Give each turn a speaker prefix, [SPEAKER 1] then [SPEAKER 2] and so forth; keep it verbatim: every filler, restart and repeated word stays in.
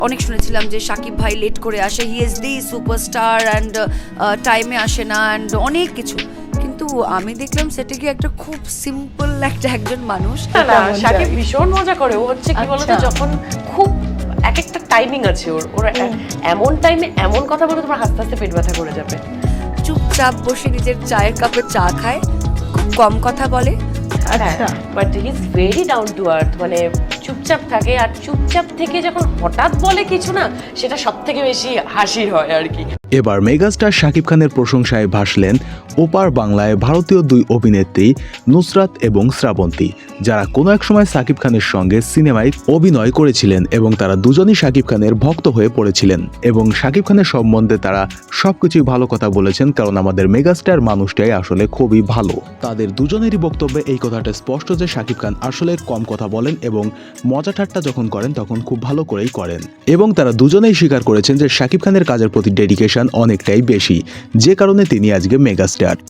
[SPEAKER 1] অনেক শুনেছিলাম যে শাকিব ভাই লেট করে আসে, he is the superstar and টাইমে আসে না অ্যান্ড অনেক কিছু। কিন্তু আমি দেখলাম সেটা কি একটা খুব সিম্পল একটা একজন মানুষ।
[SPEAKER 2] না না, শাকিব ভীষণ মজা করে। ও হচ্ছে কি বলতো, যখন খুব এক একটা টাইমিং আছে ওর ওর এমন টাইমে এমন কথা বলে তোমার হাসতে হাসতে পেট ব্যথা করে যাবে।
[SPEAKER 1] চুপচাপ বসে নিজের চায়ের কাপে চা খায়, খুব কম কথা বলে,
[SPEAKER 2] আচ্ছা, but he is very down to earth. মানে চুপচাপ থাকে, আর চুপচাপ থেকে যখন হঠাৎ বলে কিছু না, সেটা সব থেকে বেশি হাসির হয় আর কি।
[SPEAKER 3] এবার মেগাস্টার শাকিব খানের প্রশংসায় ভাসলেন ওপার বাংলায় ভারতীয় দুই অভিনেত্রী নুসরাত এবং শ্রাবন্তী, যারা কোনো এক সময় শাকিব খানের সঙ্গে সিনেমায় অভিনয় করেছিলেন এবং তারা দুজনই শাকিব খানের ভক্ত হয়ে পড়েছিলেন এবং শাকিব খানের সম্বন্ধে তারা সবকিছুই ভালো কথা বলেছেন, কারণ আমাদের মেগাস্টার মানুষটাই আসলে খুবই ভালো। তাদের দুজনেরই বক্তব্যে এই কথাটা স্পষ্ট যে শাকিব খান আসলে কম কথা বলেন এবং মজা ঠাট্টা যখন করেন তখন খুব ভালো করেই করেন, এবং তারা দুজনেই স্বীকার করেছেন যে শাকিব খানের কাজের প্রতি ডেডিকেশন অনেকটাই বেশি, যে কারণে তিনি আজকে মেগাস্টার।